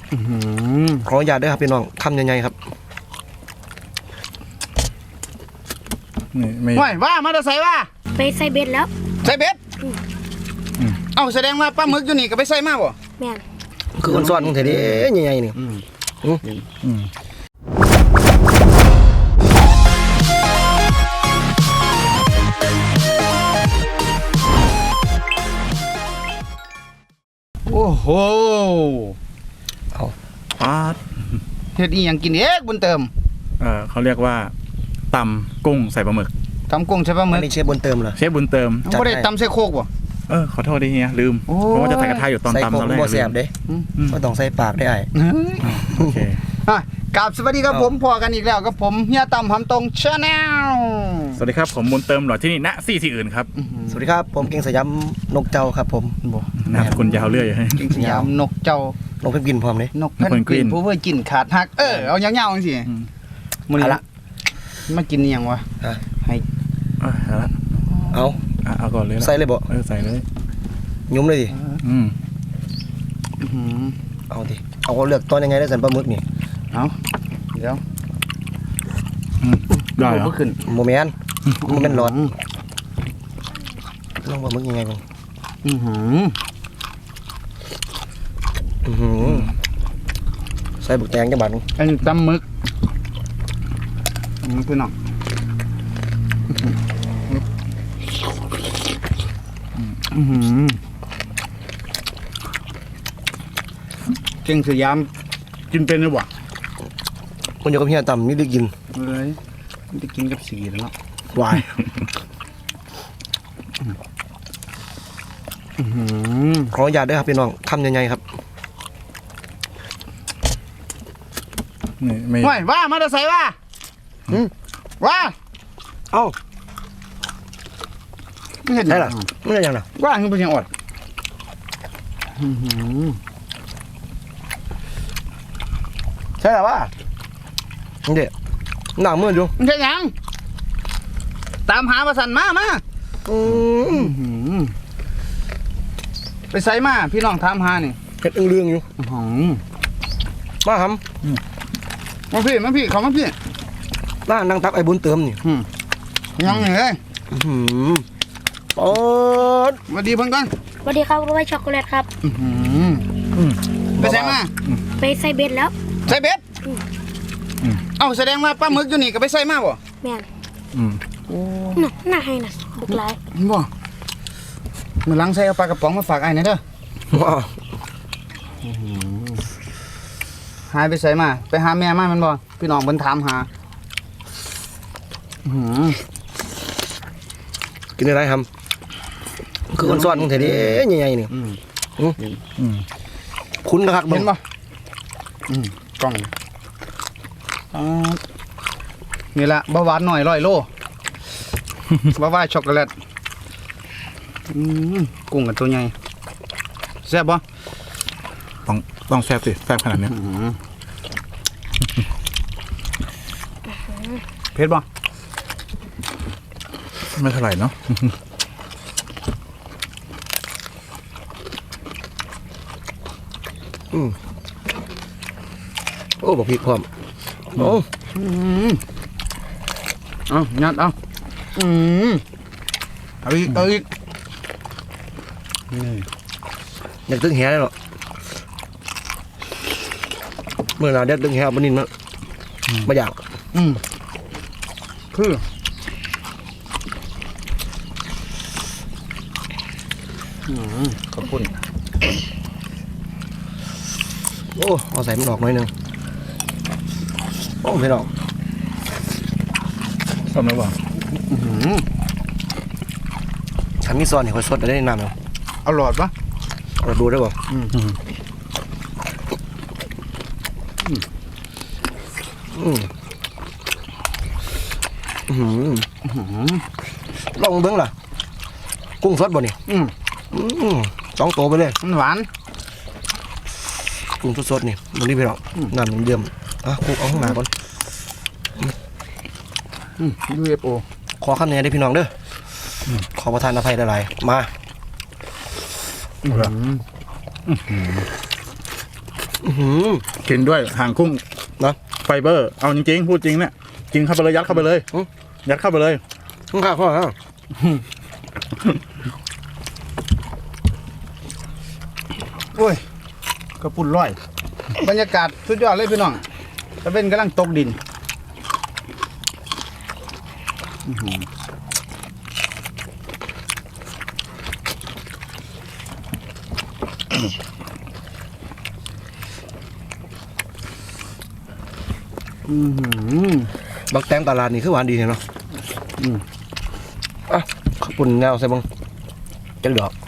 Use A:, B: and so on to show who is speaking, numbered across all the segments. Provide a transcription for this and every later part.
A: ขออนุญาตด้วยครับพี่น้องคำใหญ่ๆครับ
B: นี่ไม่
C: ว่ามาจะใส่ว่า
D: ไปใส่เบ็ดแล้ว
C: ใส่เบ็ดเอาแสดงว่าปลาหมึกอยู่นี่ก็ไปใส่มาบ่
D: แม่น
A: คือคนซ้อนของเธอดิใหญ่ๆนี่
C: โอ้โห
A: เอา
B: ปาด
C: เฮ็ดอีหยังกินเอ๊ะบุญเติม
B: เขาเรียกว่าตำกุ้งใส่ปลาหมึก
C: ตำกุ้งใส่ปลาหมึก
A: นี่เชฟบุญเติมเหรอ
B: เชฟบุญเติม
C: บ่ได้ตำใส่โคกบ่
B: ขอโทษดิเฮียลืมเพราะว่าจะใส่กระทะอยู่ตอนตำตอนแรก
A: ใส่ผมบ่แซ่บเด้ก็ต้องใส่ปากได้
B: โอเค
C: กราบสวัสดีครับผมพอกันอีกแล้วกับผมเฮียต่ำหำตรงชาแนล
B: สวัสดีครับผมบุญเติมหล่อที่นี่ณที่อื่นครับ
A: สวัสดีครับผมเก่งสยามนกเจ้าครับผม
B: นามสกุลยาวเรื่อย
C: เก่งสยามนกเจ้าน
A: กเพนกวินพร้อมเลย
C: นกเพนกวินผู้เพื่อกินขาดหักเอายาวๆจังซี่มื้อนี้ละมากินอีหยังวะให้
A: เอา
B: ก่อนเลย
A: ใส่เลยบ่
B: ใส่เลย
A: ยุ่มเลยดิเอาดิเอาเลือกตอนยังไงได้สันปลาหมึกนี่
C: เอาเดี๋ยว
B: ได้เหรอ
C: ขึ้น
A: โมเมนต์มันเป็นร้อนลองปลาหมึกยังไงบ้างใส่บุกแตงจังบัด
C: อันนี้ตำหมึกพี่น้องเก่งสยามกินเป็นหรือเปล่า
A: คนอยู่กับเฮียต่ำนี่ได้กิน
C: เลยได้กินกับสีแล้ว
A: วายขออนุญาตด้วยครับพี่น้องคำใหญ่ๆครับ
B: นี่ไม่
C: ว่ามาจะใส่ว่าเอ้าไม่เห็น
A: ได้หรอไม่ได้ยังหรอ
C: ว่าคือเป็นยังอดใช่หรอว่า
A: เด็ดหนังมืดอยู่
C: ใช่ยังตามหาประสันมาไปใส่มาพี่น้องตามหานี่
A: เห็ดเรื่องอยู่มาท
C: ำมาพี่เขามาพี่
A: น่านั่งตักไอ้บุญเติมนี่
C: ยังไงเลย
A: ปอด
C: สวัสดีเพื่อนกัน
D: สวัสดีครับไว้ช็อกโกแลตครับ
C: ไปใส่มา
D: ไปใส่เบ็ดแล้ว
C: ใส่เบ็ดเอาแสดงว่าปลาหมึกอยู่นี่ก็ไปใส่มาบ่
D: แม่นน่าให้นะบุกหลาย
C: บ่มือล้างใส่เอาปลากระป๋องมาฝากไอ้นี่เด้อหายไปใส่มาไปหาแม่มามันบ่พี่น้องเพิ่นถามหา
A: กินอะไรทำคือคนซ้อนของเธอดิใหญ่ๆนี่คุณนะครับ
C: เห็นบ่กล้องนี่แหละเบาหวานหน่อย100 โลบ้าว่าช็อกโกแลตกุ้งกับตัวใหญ่แซ่บบ่
B: ต้องแซ่บสิแซ่บขนาดนี้
C: เผ็ดบ่
B: ไม่เท่าไหร่เนาะ
A: โอ้บอกพี่พร้อมโอ้
C: งัดเอาอีกนี่
A: อยากตึงแหเลยหรอเมื่อเราได้ตึงแหบนนินมั้งไม่อยาก
C: คือขอบคุณ
A: โอ้เอาใส่มันออกหน่อยนึงโอ้ไม่หรอก
B: ชอบไหมวะ
A: ฉันมีซอนเห็นคนสดได้นานเลย
C: เอาหลอดปะ
A: เราดูได้ป่ะลองเบิ้งล่ะกุ้งสดบ่นี่2 ตัวไปเลย
C: มันหวาน
A: กุ้งสดๆนี่มันนี่พี่น้องน้ำมันเยี่ยมคุกเอาข้างหน้าก่อน
C: UFO
A: ขอคำแนะนำได้พี่น้องเด้อขอประทานอภัยหลายๆมา
B: กินด้วยหางกุ้ง
A: นะ
B: ไฟเบอร์เอาจริงๆพูดจริงเนี่ยกินเข้าไปเลยยัดเข้าไปเลยยัดเข้าไปเลย
A: ข้าวข้าวข้าว
C: โอ้ยกระปุ่นร้อย บรรยากาศสุดยอดเลยพี่น้องตะเวนกำลังตกดิน
A: บักแตงตลาดนี่คือหวานดีเนาะอ่ะขอบคุณแนวใส่บังจังดอก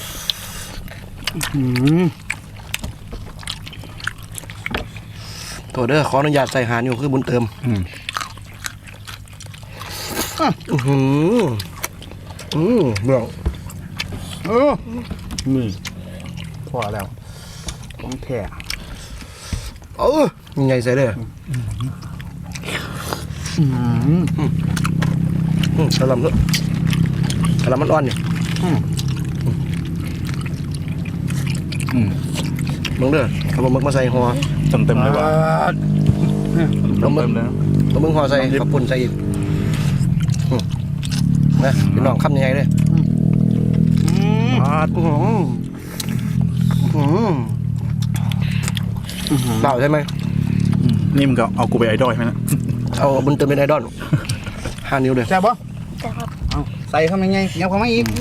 A: ตัวเด้อขออนุญาตใส่หานอยู่คือบุญเติมเบื้อง
C: นี่พอแล้วของแท้
A: ยังไงใส่เลยกระลำด้วยกระลำมันอ่อนนี่มึงเด้อเอามึกมาใส่หัว
B: เต็มเลยว่ะเต็มเลยนะ
A: เอามึงหัวใส่ขับปุ่นใส่อีกนะพี่น้องคำยังไงเลยเปล่าใช่ไหม
B: นี่มึงก็เอากูไปไอดอลใช่ไหมนะ
A: เอาบุญเติมเป็นไอดอล5 นิ้วเลย
C: แซ่บปะ
D: แต่ครับ
C: เอาใส่เข้ามาไงยับเข้ามาอีก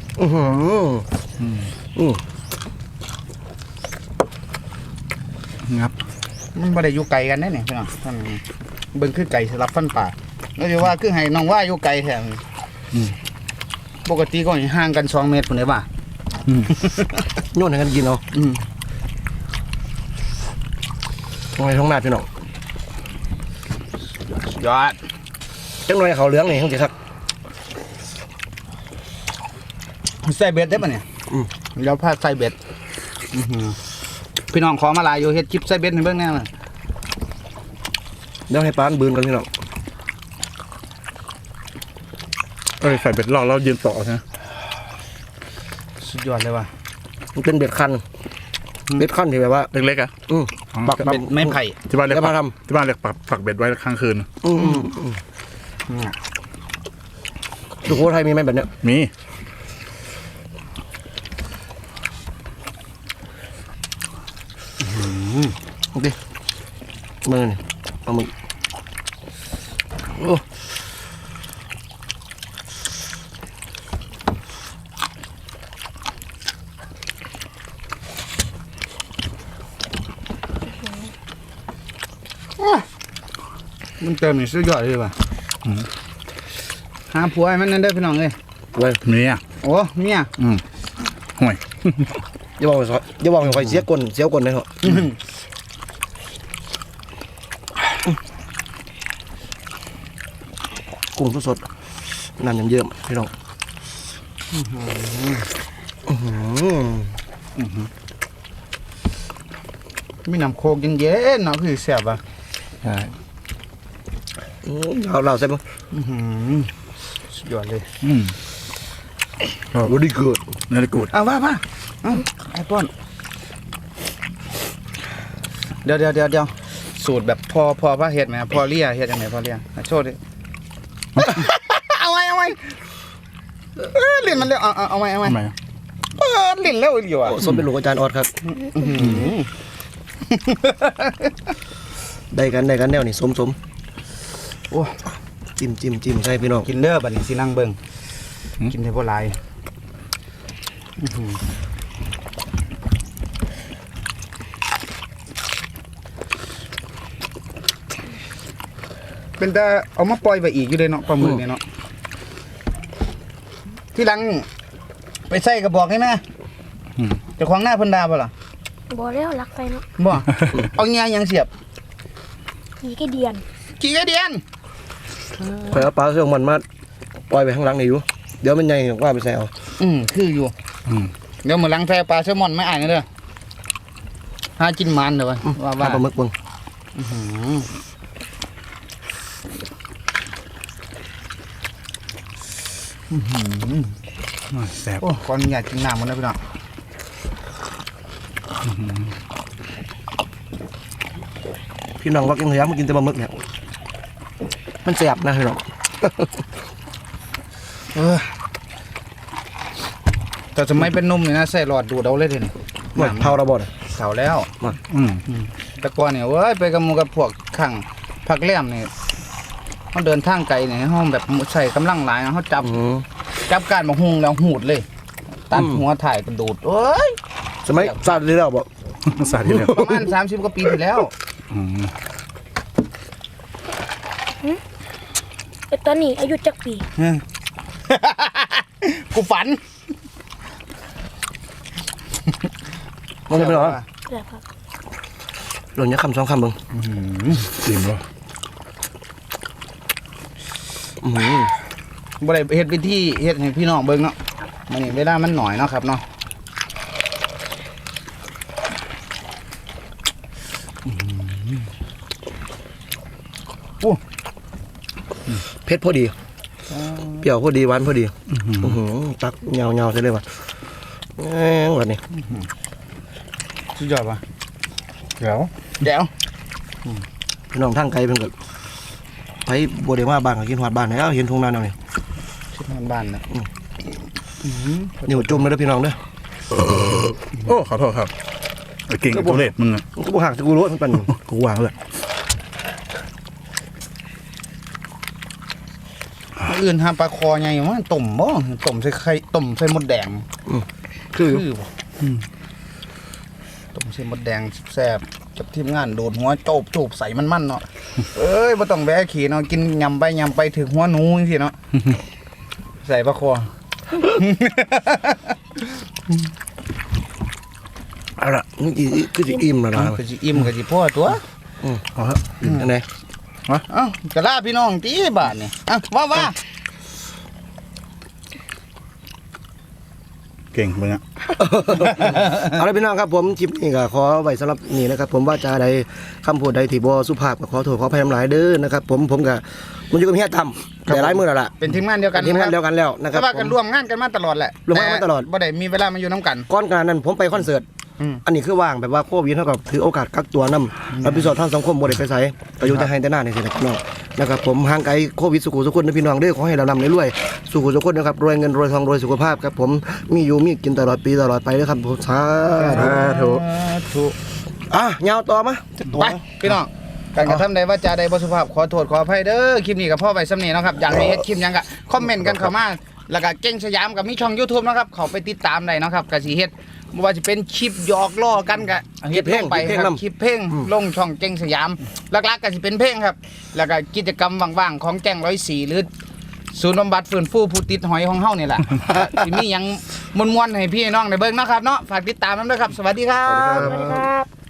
B: งับ
C: มันบ่ได้อยู่ไกลกันได้เนี่ยพี่น้องท่านเบิ่งคือไก่สลับฟันป่าแล้วจะว่าคือให้น้องว่าอยู่ไกลแท้ปกติก็ห่างกัน2 เมตรพุ่นได้ป่ะ
A: โยนให้กันกินเอาทำไมท้องหน้าพี่น้อง
C: ยอด
A: จังหน่อยเขาเหลืองนี่ทั้งจะคัก
C: ใส่เบ็ดได้ป่ะเนี่ยแล้วพาใส่เบ็ดพี่น้องขอมาลายอยู่เฮ็ดคลิปใส่เบ็ดให้เบิ่งแน่เลย
A: เดี๋ยวให้ปานบืนกันพี่น้อง
B: ใส่เบ็ดรอแล้วยืนต่อใช่ไหม
C: สุดยอดเลยว่ะ
A: มันเป็นเบ็ดคันเบ็ดคันที่แบบว่า
B: เล็กๆอ่ะ
A: ปัก
C: เบ็ดไม้ไผ่
B: ที่บ้านเรียก
A: แล้วมาท
B: ที่บ้านเรียกปักเบ็ดไว้ค้างคืน
A: สุโขทัยมีไหมแบบเนี้ย
B: มี
A: โอเคมือนี่เอามือโอ้
C: มันเติมนี่สุดยอดเลยว่ะหาผัวให้มันนั่นเด้อพี่น้องเอ้ย
A: เลย
B: มีอ่ะ
C: โอ้เมีย
B: ห่วย
A: อย่าบอกอย่าบอกให้ใครเสียก้นเสียก้นเลยเหรอกุ้งสดๆน้ำยังเยิ้มพี่น้อง
C: มีน้ำโคกเย็นๆเนาะคือแซ่บอ่ะ
B: ใช่
A: เราใส่มั้ง
C: สุดยอดเลย
A: รู้ดีเกิด
B: เนื้อกูด
C: เอาว่าไอ้ป้อนเดี๋ยวสูตรแบบพอพระเฮ็ดไหมพอเลี่ยเฮ็ดยังไงพอเลี่ยโชว์ดิ เอาไว้ลิ้นมันเร็วเอาไว้
B: ทำไม
C: ลิ้นเร็วอีกว่ะ
A: ส้มเป็นลูกอาจารย์ออดครับได้กันแนวนี่สม
C: โอ้
A: จิ้มใช่พี่น้อง
C: กินเด้อบัดนี้สินั่งเบิ่งกินได้บ่หลายเป็นแต่เอามาปล่อยไปอีกอยู่เลยเนาะปลาหมึกเนี่ยเนาะที่หลังไปใส่กระบอกให้แม่เจะขวางหน้าเพิ่นดาบ่ล่ะ
D: บ่แล้วรักไปเนาะ
C: บ่ เอาเงี้ยยังเสียบ
D: กี่ก็เดียน
C: กี่กระเดียน
A: ไปเอาปลาเสื่องมันมาปล่อยไปข้างหลังนี่อยู่เดี๋ยวมันใหญ่ว่าไปใส่เอา
C: คืออยู่เดี๋ยวมื้อหลังใส่ปลาแซลมอนไม่อ่านกันเด้อหากินมันเด้อว่า
A: ปลาหมึกเบิ่ง
B: แซ่บ
C: โอ้ขออนุญาตกินน้ำมันนะพี่น้อง
A: พี่น้องว่ากินสยามมากินแต่ปลาหมึกเนี่ยมันแสบนะพี่น้อง
C: แต่สมัยเป็นหนุ่มนี่นะใส่หลอดดูดเอาเลยทีนี่
A: หมดเผาระบด
C: เสาแล้ว
B: อืม
C: แต่ก่อนเนี่ยเว้ยไปกับหมู่กับพวกข้างผักแหลมนี่เขาเดินทางไกลเนี่ยเขาแบบใส่กำลังหลายนะเขาจับการมาหุงแล้วหูดเลยตัดหัวถ่ายกระดูดเอ้ย
A: สมัยซาดเลยแล้วบอก
B: สาธิตเลย
C: ประมาณ30 กว่าปีที่แล้ว
B: อืม
D: ไอ้ตอนนี้อายุจักปี
C: กูฝัน
A: มันจะเป็นหรอ
D: แบบครับ
A: หล่นยักคำสองคำเบิ่ง
B: อิ่มวะ
C: บ่ได้เฮ็ดวิธีเฮ็ดให้พี่น้องเบิ่งเนาะมื้อนี้เวลามันหน่อยเนาะครับเนาะ
A: เผ็ดพอดีเปรี้ยวพอดีหวานพอดีตักเงาใช่เลยว่ะวันนี้
C: สุดยอดว่ะ
B: เดี๋ยว
C: เดี๋ยว
A: พี่น้องทางไกลเพิ่นก็ไปบัวเดมาบ้านก็กินหอดบ้านแล้วเห็นทุ่งนาแนวนี้
C: ชิดบ้านๆนะ
A: นิ้วจุ่มเลยเด้อพี่น้องเด้อ
B: โอ้ขอโทษครับไอ้เก่งกับตัวเล็ดมึงอะ
A: มันก็บ่หักจะกูรู้ว่ามันเป็น
B: กูวางเลย
C: มื้ออื่นหาปลาคอใหญ่ว่าต้มบ่ต้มใส่ไข่ต้มใส่มดแดง
A: คือ
C: บ่ต้มใส่มดแดงแซ่บกับทีมงานโดดหัวโจบใส่มันๆเนาะเอ้ยบ่ต้องแวะขี่เนาะกินยำไปถึงหัวหนูจังซี่เนาะใส่ปลาคอ
A: เอาล่ะนี่คือสิอิ่มแล้วนะ
C: ก็สิอิ่มก็สิพอตัว
B: เอาฮะ
A: อันไหน
C: เอ้ากะลาพี่น้องตีบาทนี่ว่า
B: เก่งมึงอะ
A: เอาละพี่น้องครับผมคลิปนี้ก็ขอไว้สำหรับนี่นะครับผมว่าจะใดคำพูดใดที่บ่สุภาพก็ขอโทษขออภัยน้ำหลายเด้อนะครับผมก็มันอยู่กับเฮียต่ำแต่หลายมื้อแล้วล่ะ
C: เป็นทีมงานเดียวกัน
A: ทีมงานเดียวกันแล้วนะครับ
C: แต่ว่ากันร่วมงานกันมาตลอดแหละ
A: ร่วมงานมาตลอด
C: บ่ได้มีเวลามาอยู่น้ำกัน
A: ก่อนการนั้นผมไปคอนเสิร์ต อันนี้คือว่างแบบว่าโควิดเท่ากับถือโอกาสกักตัวนำรับผิดชอบทางสังคมบ่ได้ไปไสก็อยู่แต่ให้แต่หน้านี่สินะพี่น้องนะครับผมห่างไกลโควิดสุขุสุขคนนะพี่น้องเด้อขอให้เรานำรวยๆสุขุสุขคนนะครับรวยเงินรวยทองรวยสุขภาพครับผมมีอยู่มีกินตลอดปีตลอดไปเด้อครับผมสาธุ
C: ถูก
A: ยาวต่อมา
C: ไปพี่น้องการกระทำใดว่าจาใดบ่สุภาพขอโทษขออภัยเด้อคลิปนี้กับพ่อไปสำเนีเนาะครับอยากให้เฮ็ดคลิปหยังก็คอมเมนต์กันเข้ามาแล้วก็เก่งสยามกับมีช่อง YouTube นะครับเข้าไปติดตามได้เนาะครับก็สิเฮ็ดบ่ว่าจะเป็นคลิปหยอกล้อกันก็เฮ็ดลงไปครับคลิปเพลงลงช่องเก่งสยามหลักๆก็สิเป็นเพลงครับแล้วก็กิจกรรมว่างๆของแจ้ง104หรือศูนย์บำบัดฟื้นฟูผู้ติดหอยของเฮานี่แหละ สิมีหยังม่วนๆให้พี่น้องได้เบิ่งเนาะครับเนาะฝากติดตามนำด้วยครับสวัสดีครับ
D: สวัสดีครับ